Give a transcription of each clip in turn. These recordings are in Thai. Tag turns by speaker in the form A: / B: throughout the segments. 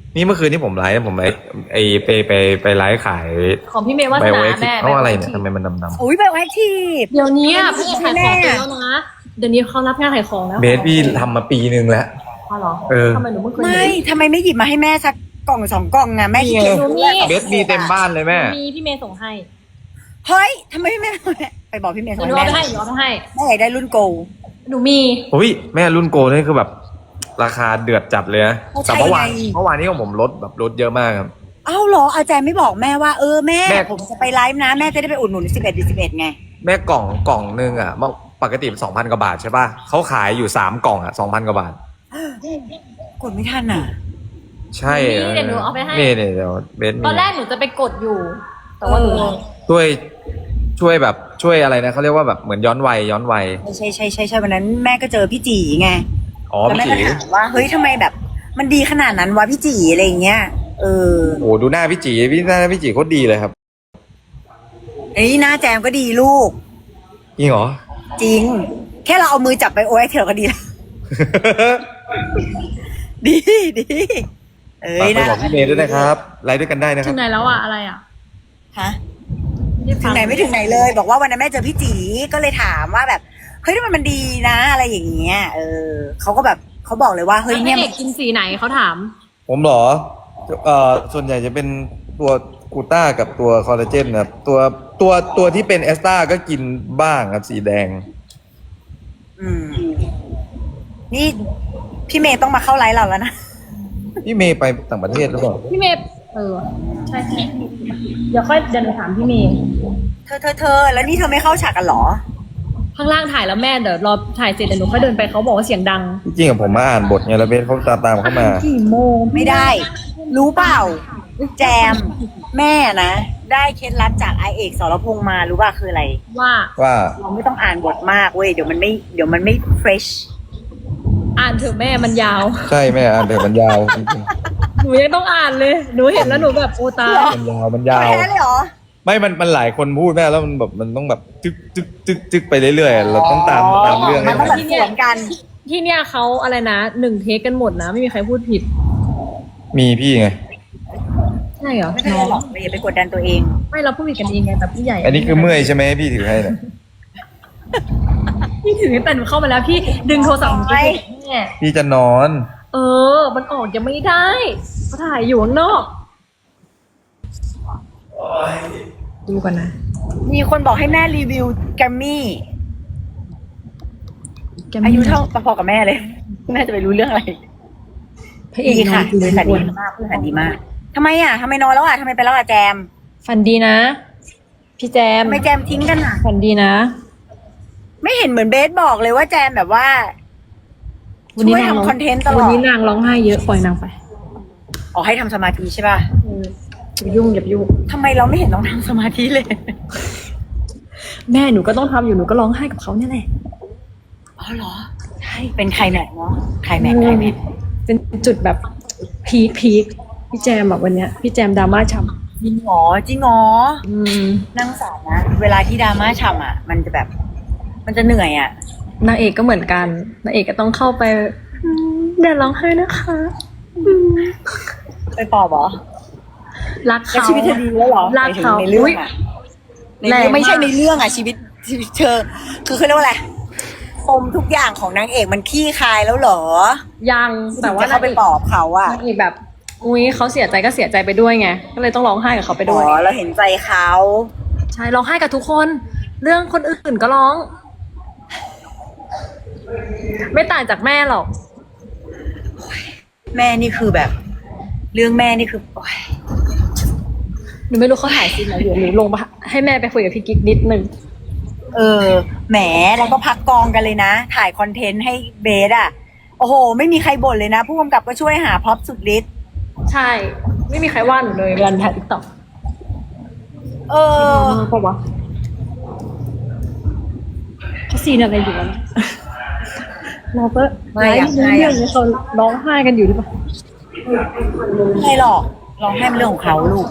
A: นี่เมื่อคืนที่ผมไลฟ์ไอไปไลฟ์ขาย
B: ของพี่เมย์วาส
A: ไบโอ
B: นา
A: เอ็กซ์
B: แม่
A: เพราะอะไรเนี่ยทำไมมันดำ
C: อุ้ยไบโอแอคทีฟ
B: เดี๋ยวนี้พระเอก
C: ใช่
B: ขาย
C: แม่
B: ของเป็นแล้วนะเดี๋ยวนี้เขารับงานขายของแล้ว
A: ๆเบสพี่ทำมาปีนึงแล้ว
B: อ๋อเหรอ
A: เออ
B: ทำไมหนูไม่เคย
C: ไม่
B: เห็น
C: ทำไมไม่หยิบมาให้แม่สักกล่อง2 กล่องอะแม่ขี้เกียจ
B: หนูมี
A: เบสมีเต็มบ้านเลยแม่
B: มีพี่เมย์ส่งให้
C: เฮ้ยทำไมไม่ไปบอกพี่เมย์
B: เดี๋
C: ส่
B: ย
C: ง
B: วหนู
C: ให้
B: เอา
C: แม่
B: ไปให้หนูเอาไปให้
C: แม่อยากได้รุ่นโกล
B: หนูมี
A: อุ้ยแม่รุ่นโกนี่คือแบบราคาเดือดจัดเลยนะ
C: เขาใช้
A: แต่เมื่อวาน
C: ไง
A: นี้ของผมลดเยอะมากครับ
C: เอ้าเหรออาจารย์ไม่บอกแม่ว่าแม่
A: แม่
C: ผมจะไปไลฟ์นะแม่จะได้ไปอุดหนุน11 ไง
A: แม่กล่องนึงอ่ะปกติ2,000 กว่าบาทใช่ป่ะเขาขายอยู่3 กล่องอ่ะ 2,000 กว่าบาท
C: กดไม่ทันอ่ะ
A: ใช่
B: นี่เดี๋ยวหนูเอาไปให้
A: นี่เดี๋ยวเบสมี
B: ตอนแรกหนูจะไปกดอยู่ แต่ว่าหนู
A: ช่วยแบบช่วยอะไรนะเขาเรียกว่าแบบเหมือนย้อนวัย
C: ใช่วันนั้นแม่ก็เจอพี่จีไง
A: อ๋อ
C: แล้ว
A: พี่
C: แม่
A: จี
C: ก็ถามว่าเฮ้ยทำไมแบบ มันดีขนาดนั้นวะพี่จีอะไรอย่างเงี้ย
A: โอ้ดูหน้าพี่จีหน้าพี่จีโคตรดีเลยครับ
C: ไอ้ยหน้าแจมก็ดีลูก
A: จริงเหรอ
C: จริง แค่เราเอามือจับไปโอ้ยเถอะก็ดีแล้ว ดี
A: ฝากไป
C: นะ
A: บอกพี่เมย์ด้วยนะครับไลฟ์ด้วยกันได้นะค
B: ถึ
A: รับ
B: งไหนแล้วอะอะไรอะ
C: ฮะถึงไหนไม่ถึงไหนเลย บอกว่าวันนั้นแม่เจอพี่จีก็เลยถามว่าแบบเฮ้ยทำไมมันดีนะ อะไรอย่างเงี้ยเขาก็แบบเขาบอกเลยว่าเฮ้ย
B: พ
C: เนี่
B: ระ
C: ย
B: เอกกินสีไหนเขาถาม
A: ผมเหรอส่วนใหญ่จะเป็นตัวกูต้ากับตัวคอลลาเจนครับตัวที่เป็นเอสตาก็กินบ้างครับสีแดง
C: นี่พี่เมย์ต้องมาเข้าไลฟ์เราแล้วนะ
A: พี่เมย์ไปต่างประเทศหรือเปล่า
B: พี่เมย์ใช่เดี๋ยวหนูถามพี่เมย์
C: เธอแล้วนี่เธอไม่เข้าฉากกันเหรอ
B: ข้างล่างถ่ายแล้วแม่เดี๋ยวรอถ่ายเสร็จเดี๋ยวหนูค่อยเดินไปเขาบอกว่าเสียงดัง
A: จริงๆอะผมมาอ่านบทไงแล้วเบสเขาตามเข้ามา
B: กี่โมง
C: ไม่ได้ รู้เปล่า แจม แม่นะได้เคล็ดลับจากไอเอกสรพงษ์มารู้ป่ะคืออะไร
B: ว่า
A: ว่า
C: เราไม่ต้องอ่านบทมากเว้ยเดี๋ยวมันไม่เฟรช
B: อ่านเถอะแม่มันยาว
A: ใช่แม่อ่านเดี๋ยวมันยาวจริง
B: หนูยังต้องอ่านเลย หนูเห็นแล้วหนูแบบโอตาย
A: ๆมันยาว
C: แพ้เลยเหรอ
A: ไม่มันหลายคนพูดแม่แล้วมันแบบมันต้องแบบจึกไปเรื่อยๆเราต้องตามเรื่อง
C: มั
A: ให้
C: นต้อง
A: ทั
C: แบ
A: น
C: บสวนกัน
B: ที่เนี่ยเขาอะไรนะ1 เทคกันหมดนะ ไม่มีใครพูดผิด
A: มีพี่ไง
B: ใช่เหรอ
C: ไม่เป็นไรหรอกอย่าไปกดดันตัวเอง
B: ไม่เราพูดผิดกันเองไงแต่ผู้ใหญ่
A: อันนี้คือเมื่อยใช่ไหมพี่ถือให้เนี่ย
B: พี่ถือแต่หนูเข้ามาแล้วพี่ดึงโทรศัพท์หนูไปแม่
A: พี่จะนอน
B: มันออกยังไม่ได้เขาถ่ายอยู่ข้างนอกดูกันนะ
C: มีคนบอกให้แม่รีวิวแกรมมี่อายุเท่าพอๆกับแม่เลย แม่จะไปรู้เรื่องอะไร
B: พระเอก
C: ดีค่ะ
B: นอน
C: บริษัท
B: ทุก
C: ดี
B: วัน
C: มากบริษัทดีมากทำไมทำไมนอนแล้วทำไมไปแล้วแจม
B: ฝันดีนะ พี่แจม
C: ทำไมแจมทิ้งกัน
B: ฝันดีนะ
C: ไม่เห็นเหมือนเบสบอกเลยว่าแจมแบบว่า ช่วยทำคอนเทนต์ตลอด
B: วันนี้นางร้องไห้เยอะปล่อยนางไป
C: อ๋อให้ทำสมาธิใช่ป่ะ
B: อย่าไปยุ่งอย่าไปยุ่ง
C: ทำไมเราไม่เห็นต้องทำสมาธิเลย
B: แม่หนูก็ต้องทำอยู่หนูก็ร้องไห้กับเขาเนี่ยแหละ
C: อ๋อเหรอใช่เป็นใครแม็กเนาะใครแม็ก
B: เป็นจุดแบบพีคพี่แจมแบบวันเนี้ยพี่แจมดราม่าฉ่
C: จริงเหรอ
B: ำ
C: นั่งสารนะ เวลาที่ดราม่าฉ่ำมันจะแบบ มันจะเหนื่อย
B: นางเอกก็เหมือนกันนางเอกก็ต้องเข้าไปอย่าร้องไห้นะคะ
C: ไปปอบเหรอ
B: รัก
C: แล้ว
B: เขา
C: ชีวิตเธอดีแล้วเหรอ
B: รักเขา
C: ในเรื่องในเรื่องไม่ใช่
B: แรงมาก
C: ในเรื่องชีวิตเธอคือเขาเรียกว่าอะไรปมทุกอย่างของนางเอกมันขี้คายแล้วเหรอ
B: ยังแต่ว่า
C: จะเข้าไปปอบเขา
B: นางเอกแบบอุ้ยเขาเสียใจก็เสียใจไปด้วยไงก็เลยต้องร้องไห้กับเขาไปด้วย
C: เราเห็นใจเขา
B: ใช่ร้องไห้กับทุกคน เรื่องคนอื่นก็ร้อง ไม่ต่างจากแม่หรอก
C: แม่นี่คือแบบ เรื่องแม่นี่คือโอ๊ย
B: หนูไม่รู้เขาถ่ายซีนไหนอยู่หนูลงมาให้แม่ไปคุยกับพี่กิ๊กนิดนึง
C: แหมแล้วก็พักกองกันเลยนะ ถ่ายคอนเทนต์ให้เบสโอ้โห ไม่มีใครบ่นเลยนะ ผู้กำกับก็ช่วยหาพร็อพสุดฤทธิ์
B: ใช่ ไม่มีใครว่าหนูเลยเวลาถ่ายติ๊กต็อก เพราะว่าเขาซีนอะไรอยู่วะเนี่ยเราก็ไลฟ์เรื่องนี้เขาร้องไห้กันอยู่หรือเปล่า
C: ไม่หรอกร้องไห้เป็นเรื่องของเขาลูก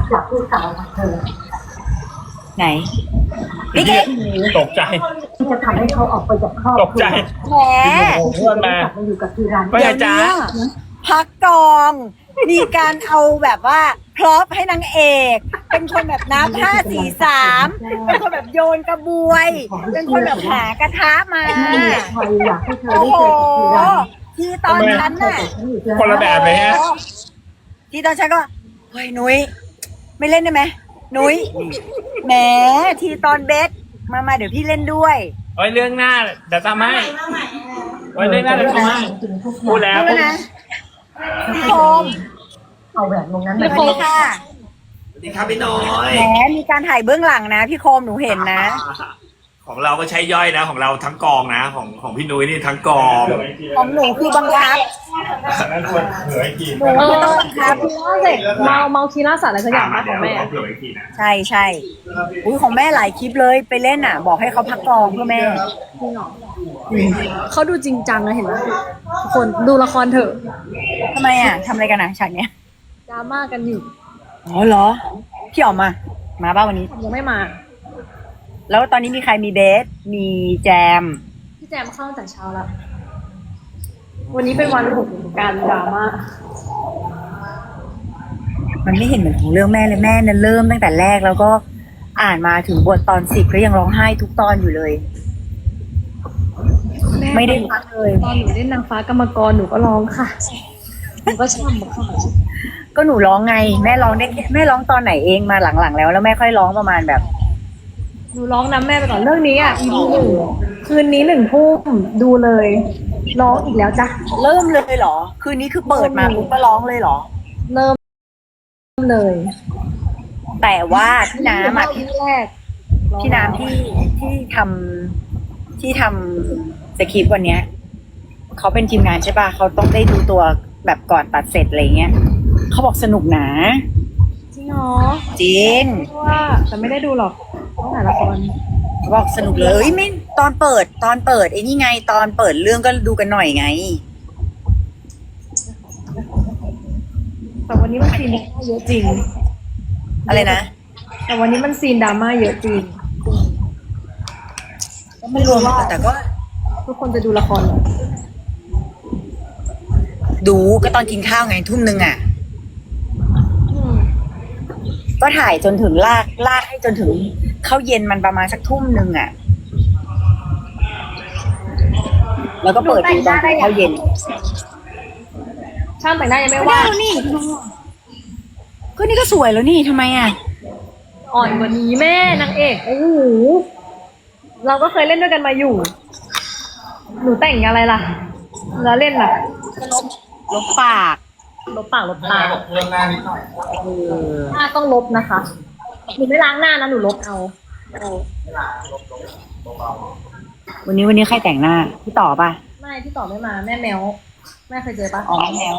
C: ไหนพี่เก๊ก
D: ตกใจ
B: จะทำให้เขาออกไปจากครอบ
D: ตกใจ
C: แหม
D: เพื่อนมา
B: มาอยู่กับที่ร้าน
D: ว่าไงจ๊ะ
C: พักกอง มีการเอาแบบว่าพร็อพให้นางเอก เป็นคนแบบนับ5 4 3เป็นคนแบบโยนกระบวย เป็นคนแบบหากระทะมา โอ้โห ที่ตอนฉันน่ะ
D: คนละแบบเลยฮะ
C: ที่ตอนฉันก็เฮ้ยนุ้ยไม่เล่นได้ไหมนุ้ยแหมที่ตอนเบสมาเดี๋ยวพี่เล่นด้วย
D: ไว้เรื่องหน้าเดี๋ยวทำให้ไว้เรื่องหน้าเดี๋ยวทำให้พูดแล้ว
C: ใช่ไหมนะพี่โคม
B: เอาแหวนวงนั้น
C: สวัสดีค่ะ
E: สวัสดีครับพี่น้อย
C: แหมมีการถ่ายเบื้องหลังนะพี่โคมหนูเห็นนะ
E: ของเราก็ใช้ย่อยนะ ของเราทั้งกองนะ ของพี่นุ้ยนี่ทั้งกอง
C: ของหนูคือบังคับ
D: นั้นควรเผื่อไว้กิน
C: หนูคือต้องบังคับ
B: เสร็จเมาคีร่าสัตว์อะไรสักอย่างมาของแม่
D: เผื่อไว้กินนะ
C: ใช่ใช่อุ้ยของแม่หลายคลิปเลยไปเล่นอ่ะ บอกให้เขาพักกองเพื่อแม่
B: เขาดูจริงจังนะเห็นไหมทุกคนดูละครเถอะ
C: ทำไมอ่ะทำอะไรกันอ่ะฉากเนี้ย
B: ดราม่ากันอยู่
C: อ๋อเหรอ พี่ออกมาบ้าวันนี้
B: ยังไม่มา
C: แล้วตอนนี้มีใครมีเบส มีแจม
B: พี่แจมเข้าตั้งแต่เช้าแล้ว วันนี้เป็นวันของการดราม่า
C: มันไม่เห็นเหมือนของเรื่องแม่เลยแม่เนี่ยเริ่มตั้งแต่แรกแล้วก็อ่านมาถึงบทตอน10ก็ยังร้องไห้ทุกตอนอยู่เลย ไม่ได้พักเลย
B: ตอนหนูเล่นนางฟ้ากรรมกรหนูก็ร้องค่ะหนูก็ช่ำค่ะ
C: ก็หนูร้องไง แม่ร้องได้แม่ร้องตอนไหนเองมาหลังๆแล้วแม่ค่อยร้องประมาณแบบ
B: หนูร้องน้ำแม่ไปก่อนเรื่องนี้อ่ะ EP 1 คืนนี้1 ทุ่มดูเลยร้องอีกแล้วจ้ะ
C: เริ่มเลยเหรอ คืนนี้คือเปิดมาปุ๊บก็ร้องเลยเหรอ
B: เริ่มเลย
C: แต่ว่าพี่น้ำอ่ะ
B: ที่แรก
C: พี่น้ำที่ทำสคริปต์วันเนี้ยเขาเป็นทีมงานใช่ป่ะเขาต้องได้ดูตัวแบบก่อนตัดเสร็จอะไรเงี้ยเขาบอกสนุกหนา
B: จริงเหรอ
C: จริง
B: ว่าแต่ไม่ได้ดูหรอกต้องหาละคร
C: เขาบอกสนุกเลยเอ้ยไม่ตอนเปิดไอ้นี่ไงตอนเปิดเรื่องก็ดูกันหน่อยไง
B: แต่วันนี้มันซีนดราม่าเยอะจริง
C: อะไรนะ
B: แต่วันนี้มันซีนดราม่าเยอะจริง
C: ก็ไม่รวมแต่ก็
B: ทุกคนจะดูละครเหรอ
C: ดูก็ตอนกินข้าวไงทุ่มนึงอ่ะ
B: อืม
C: ก็ถ่ายจนถึงลากให้จนถึงเข้าเย็นมันประมาณสักทุ่มนึงอ่ะ แล้วก็เปิดดูตอนเข้าเย็น
B: ช่างแต่งหน้ายังไม่
C: ก็
B: ว่า
C: ได้แล้วนี่ก็นี่ก็สวยแล้วนี่ทำไมอ่ะ
B: อ่อนกว่านี้แม่นางเอกโอ้โหเราก็เคยเล่นด้วยกันมาอยู่ หนูแต่งอะไรล่ะ แล้วเล่นล่ะ
C: ลบปาก
B: ลบปากลบตา
D: เรื่องหน้านิดหน่อย
B: หน้าต้องลบนะคะหนูไม่ล้างหน้านะหนูลบเอา
C: วันนี้ใครแต่งหน้าพี่ต่อป่ะ
B: ไม่พี่ต่อไม่มาแม่แมวแม่เคยเจอปะ
C: อ๋อแล้ว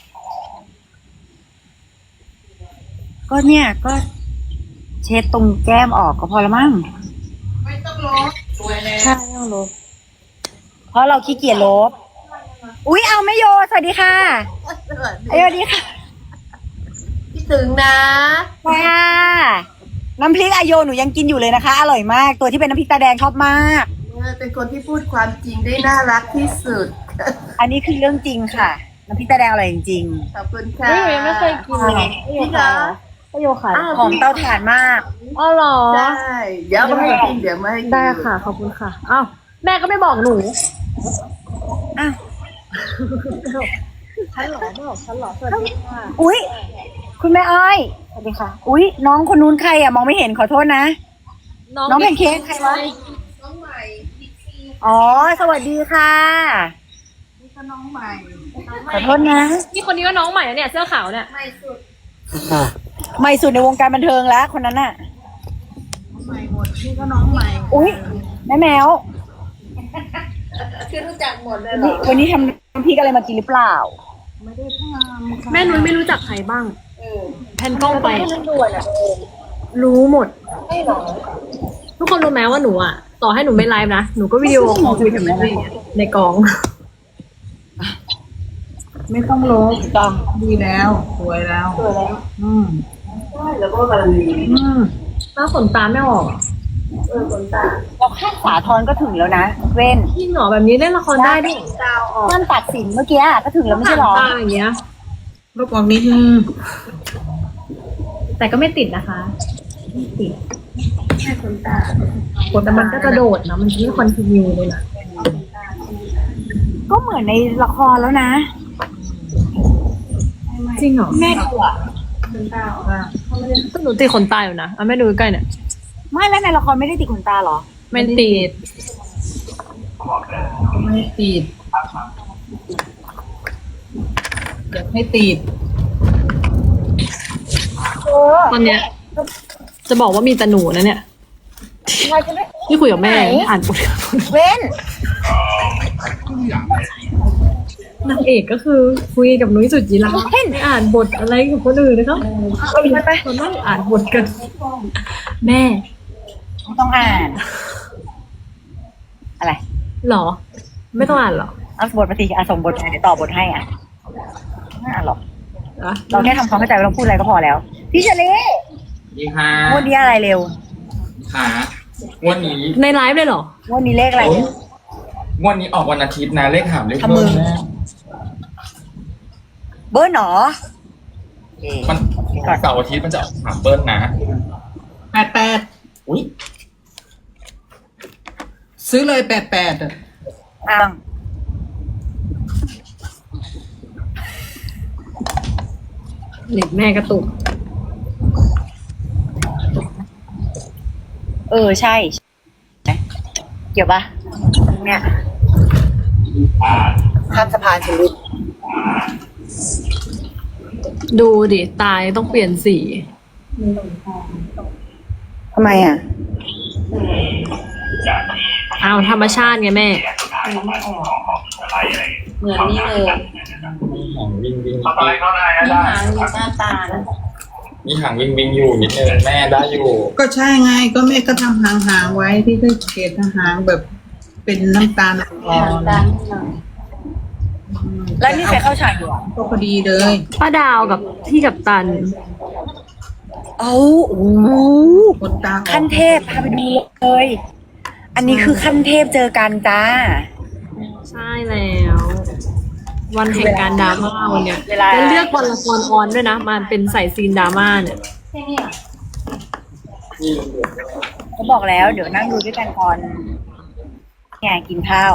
C: ก็เนี่ยก็เช็ดตรงแก้มออกก็พอละมั้ง
B: ใช่ต้องลบ
C: เพราะเราขี้เกียจลบ อุ๊ยเอาไม่โยสวัสดีค่ะสวัสดีค่ะ
F: คิดถึงนะ
C: ค่ะน้ำพริกอโยหนูยังกินอยู่เลยนะคะ อร่อยมาก ตัวที่เป็นน้ำพริกตาแดงชอบมาก
F: เป็นคนที่พูดความจริงได้น่ารักที่สุด
C: อันนี้คือเรื่องจริงค่ะ น้ำพริกตาแดงอร่อยจริง
F: ขอบคุณค่ะ
B: นี่หนูยังไม่เคยกินเลย
F: จริงเหรอ
B: ก็โยขาย
C: ๆหอมเตาถ่านมาก
B: อ๋อเหรอ
F: ได้ เดี๋ยวมาให้กินเดี๋ยวมาให้กิน
B: ได้ค่ะขอบคุณค่ะอ้าวแม่ก็ไม่บอกหนู
C: อ้าว
B: ฉันเหรอบอกฉันเหรอสวัสดีค่ะ
C: อุ๊ย คุณแม่อ้อยสวัสดีค่ะ อุ๊ย น้องคนนู้นใครอ่ะมองไม่เห็นขอโทษนะ น้องแพนเค้กใครวะ
F: น้องใหม่บิ๊กซี
C: อ๋อ สวัสดีค่ะ
F: นี่ก็น้องใหม่
C: ขอโทษนะ
B: นี่คนนี้ก็น้องใหม่นะเนี่ยเสื้อขาวเนี่ย
F: ใหม่สุด
C: ใหม่สุดในวงการบันเทิงแล้วคนนั้นน่ะ
F: ใหม่หมด นี่ก็น้องใหม่
C: อุ๊ย แม่แมว
F: คือรู้จักหมดเลยเหรอ
C: วันนี้ทำน้ำพริกอะไรมากินหรือเปล่า
F: ไม่ได้ทำค่ะ
B: แม่นุ้ยไม่รู้จักใครบ้างแผ่นกล้องไป รู้หมด ทุกคนรู้ไหมว่าหนูอ่ะ ต่อให้หนูไม่ไลฟ์นะ หนูก็วิดีโอคอลคุยกับแม่ในกอง
F: ไม่ต้องลบ
C: ต้อง
F: ดีแล้ว สวยแล้ว
C: อืม
F: แล้วก็กำลังดี
B: หน้าขนตาไม่ออกอะ
C: เราข้างสาทรก็ถึงแล้วนะเว้น
B: จริงเหรอแบบนี้เล่นละครได้ด้วย
C: นั่นตัดสินเมื่อกี้ก็ถึงแล้วไม่ใช่หรอ
B: ตาอย่างเงี้ย
G: ลบออกนิดนึง
B: แต่ก็ไม่ติดนะคะไม่ติดแต่มันก็กระโดดนะมันไม่คอนติเนียเลยนะ
C: ก็เหมือนในละครแล้วนะ
B: จริงเหรอ
C: แม่ดูอ่ะ
B: ก็หนูติดขนตาอยู่นะแม่ดูใกล้ๆเนี่ย
C: ไม่แล้วในละครไม่ได้ติดขนตาเหรอ
B: ไม่ติด
G: ไม่ติดอยากให้ติด
B: ตอนเนี้ยจะบอกว่ามีแต่หนูนะเนี่ยที่คุยกับแม่
C: ไหน
B: อ่านบท
C: เว้น
B: นางเอกก็คือคุยกับนุ้ยสุจิราไม่อ่านบทอะไรกับคนอื่นนะครับ
C: เอาอีกไป
B: เรานั่งอ่านบทกัน แม่
C: ต้องอ่าน อะไร
B: หรอ ไม่ต้องอ่านหรอ
C: เอาบทมาสิส่งบทมาเดี๋ยวต่อบทให้ไม่อ่านหรอก
B: อะ
C: เราแค่ทำความเข้าใจว่าเราพูดอะไรก็พอแล้ว พี่เชลี
D: ดีค่ะ
C: งวดนี้อะไรเร็ว
D: ค่ะวันนี้
B: ในไลฟ์เลยเหรอ
C: งวดนี้เลขอะไร
D: วันนี้ออกวันอาทิตย์นะเลขหามเลข
C: ทำมื
D: เบิ้
C: อ
D: ลแม่
C: เบิร์นหนอ
D: มันเสาร์อาทิตย์มันจะออกหามเบิ้ลนะ
G: 88
D: อุ้ย
G: ซื้อเลย88อ่ะ
C: อ้าว
B: เน็ตแม่กระตุก
C: ใช่เกี่ยวปะเนี่ยข้ามสะพานชีวิต
B: ดูดิ ตายต้องเปลี่ยนสี
C: ทำไมอ่ะ
B: เอาธรรมชาติไงแม่
F: เหมือนนี่เลย
D: หางวิ่งวิ่ง
F: มีหางมีหน้าตานะ
D: มีหางวิ่งวิ่งอยู่นิดนึงแม่ได้อยู่
G: ก็ใช่ไงก็แม่ก็ทำหางๆไว้ที่ได้เกล็ดหางแบบเป็นน้ำตาลอ่อ
F: หาง
G: น
F: ตานิดหน่อย
C: แล้วนี่ใครเข้าฉากอยู่อ่ะ
G: ก็พอดีเลย
B: ป้าดาวกับพี่กับตัน
C: โอ้โห
G: คนตาออก
C: ขั้นเทพพาไปดูเลย อันนี้คือขั้นเทพเจอกันจ้า
B: ใช่แล้ว วันแห่งการดราม่าวันเนี้ย
C: เวลา
B: แล้วเลือกวันละครออนด้วยนะมันเป็นใส่ซีนดราม่าเนี่ย
F: แค่นี้อ่ะ
C: เขาบอกแล้ว เดี๋ยวนั่งดูด้วยกันก่อนเนี่ยกินข้าว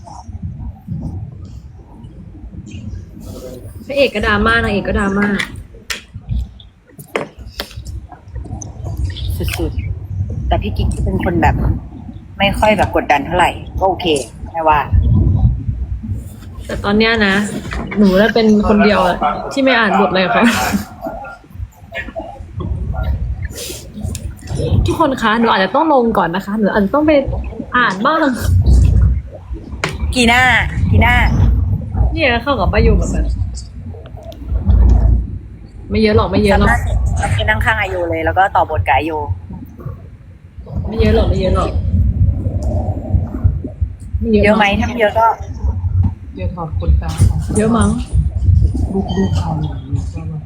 B: พระเอกก็ดราม่านางเอกก็ดราม่า
C: สุดๆ แต่พี่กิ๊กเป็นคนแบบ ไม่ค่อยแบบกดดันเท่าไหร่ ก็โอเคไม่ว่า
B: แต่ตอนเนี้ยนะ หนูน่ะเป็นคนเดียวอะที่ไม่อ่านบทเลยค่ะทุกคนคะหนูอาจจะต้องลงก่อนนะคะหนูอาจจะต้องไปอ่านบ้าง
C: กีน่า
B: เนี่ยเข้ากับป้ายูแบบนั้นไม่เยอะหรอกไม่เยอะหรอก
C: เราไปนั่งข้างอายุเลย แล้วก็ต่อบทกับอายุ
B: ไม่เยอะหรอกไม่เยอะหรอกไม่
C: เยอะไหมถ้าไม่เยอะก็
G: เดี๋ยวถอดขนตาออก
B: เยอะมั้ง
G: ลูกเอาหน่อยก็แบบ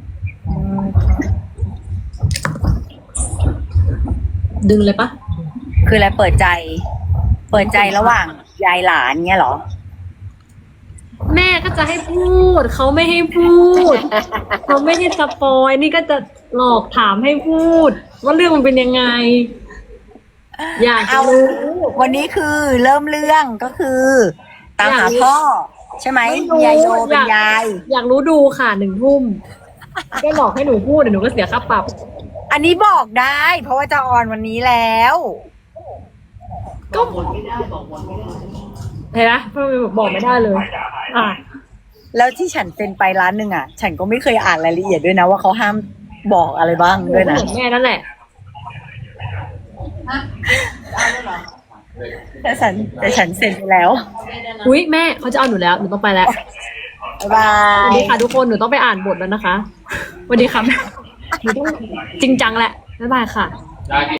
B: ดึงเลยปะ
C: คืออะไรเปิดใจระหว่างยายหลานเงี้ยเหรอ
B: แม่ก็จะให้พูดเขาไม่ให้พูดเขาไม่ให้สปอยนี่ก็จะหลอกถามให้พูด ว่าเรื่องมันเป็นยังไง อยากจะ
C: เอา
B: รู้
C: วันนี้คือเริ่มเรื่องก็คือ ตามหาพ่อ ใช่ไหม
B: ไม่รู้
C: ยายโยเป็นยาย
B: อยากรู้ดูค่ะ1 ทุ่มก็หลอกให้หนูพูดเดี๋ยวหนูก็เสียค่าปรับ
C: อันนี้บอกได้ เพราะว่าจะออนวันนี้แล้ว
B: ก็เห็นไหมเพราะมันบอกไม่ได้เลย อ่ะ
C: แล้วที่ฉันเซ็นไปร้านหนึ่งอ่ะ ฉันก็ไม่เคยอ่านรายละเอียดด้วยนะว่าเขาห้ามบอกอะไรบ้างด้วยนะ
B: เหมือนแม่นั่นแหละ
C: แต่ฉันเซ็นไปแล้ว
B: อุ้ยแม่เขาจะเอาหนูแล้วหนูต้องไปแล้ว
C: บ๊ายบา
B: สวัส
C: ย
B: ดีค่ะทุกคนหนูต้องไปอ่านบทแล้วนะคะสวัสดีค่ะแม่หนูต้องจริงจังแหละบ๊ายบายค่ะ
D: ได้